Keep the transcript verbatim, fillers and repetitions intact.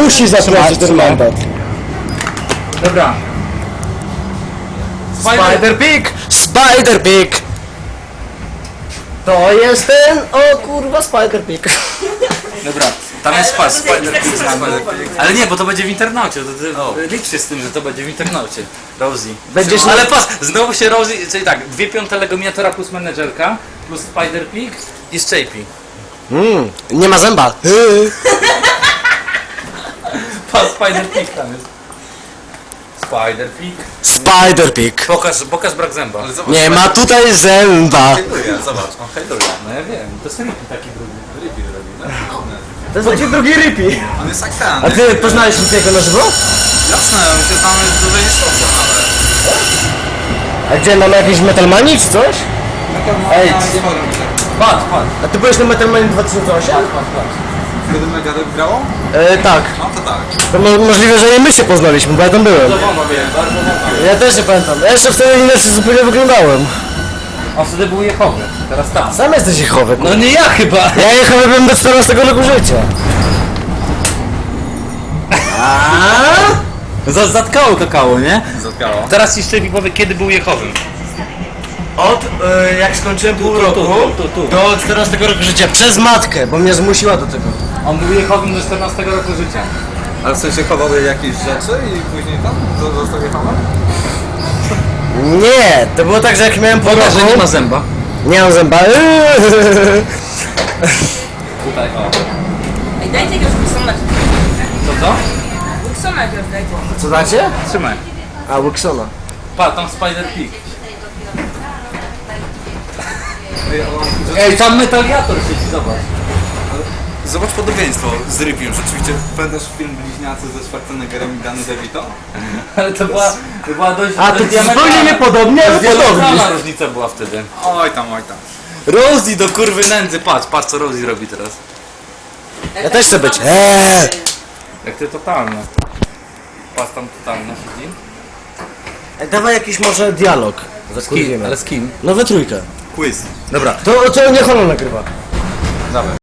musi zaprosić ten mandat. Dobra. Spider Pig! Spider Pig! To jest ten, o kurwa, Spider Pig. Dobra, tam jest pas, Spider Pig znamy. Ale nie, bo to będzie w internaucie, to ty licz się z tym, że to będzie w internaucie. Rosie. Będziesz Ale pas, znowu się Rosie, czyli tak, dwie piąte Legomiatora plus menedżerka, plus Spider Pig i Shapey. Mmm, nie ma zęba. Pas, Spider Pig tam jest. Spider Pig. Spider Pig. Pokaż, pokaż brak zęba. Ale zobacz, Nie ma tutaj zęba. hejluje, zobacz, on hejluje. No ja wiem, to jest Rippy taki drugi. Rippy robi, no? To jest taki drugi Rippy. On jest jak ten. A ty poznałeś Rippiego na żywo? Jasne, my się znamy dłużej niż Rosa nawet. A gdzie, mamy jakieś Metalmanii czy coś? Ej, Patrz, patrz. a ty byłeś na Metalmanii dwa tysiące osiem? Kiedy Megadeth grało? E, tak. No to tak. To mo możliwe, że i my się poznaliśmy, bo ja tam byłem. Bardzo wątpię, bardzo wątpię. Ja też nie pamiętam. Ja jeszcze wtedy inaczej zupełnie wyglądałem. On wtedy był Jehowy, teraz tam. Sam jesteś Jehowy. No nie ja chyba. Ja Jehowy byłem do czternastego roku życia. Za- Zatkało kakao, nie? Zatkało. Teraz ci Shapey powie, kiedy był Jehowym. Od e, jak skończyłem pół tu, roku tu, tu, tu. do czternastego roku życia. Przez matkę, bo mnie zmusiła do tego. On był Jehowym do czternastego roku życia. Ale w sensie chowały jakieś rzeczy i później tam zo- został jechałem? Nie, to było tak, że jak miałem pół Pokaż, że roku... nie ma zęba. Nie mam zęba. Tutaj, o. Ej, dajcie jakiegoś Wilsona. To co? Wilsona jakiegoś dajcie. Co dacie? Trzymaj. A, Wilsona. Pa, tam Spider Pig. Ej, tam Metaliator siedzi, zobacz. Zobacz podobieństwo z Rippym. Rzeczywiście pamiętasz film Bliźniacy ze Schwarzeneggerem i Danny DeVito? Ale to była, to była dość... A, to dość zupełnie niepodobnie, ale podobnie. diametralna różnica była wtedy. Oj tam, oj tam. Rosie do kurwy nędzy, patrz, patrz co Rosie robi teraz. Ja też chcę być. Eee. Jak ty totalne. Patrz tam totalne siedzi. Dawaj jakiś może dialog. Z kim? Ale z kim? No we trójkę. Quiz. Dobra. To, to niech ona nagrywa. Dawaj.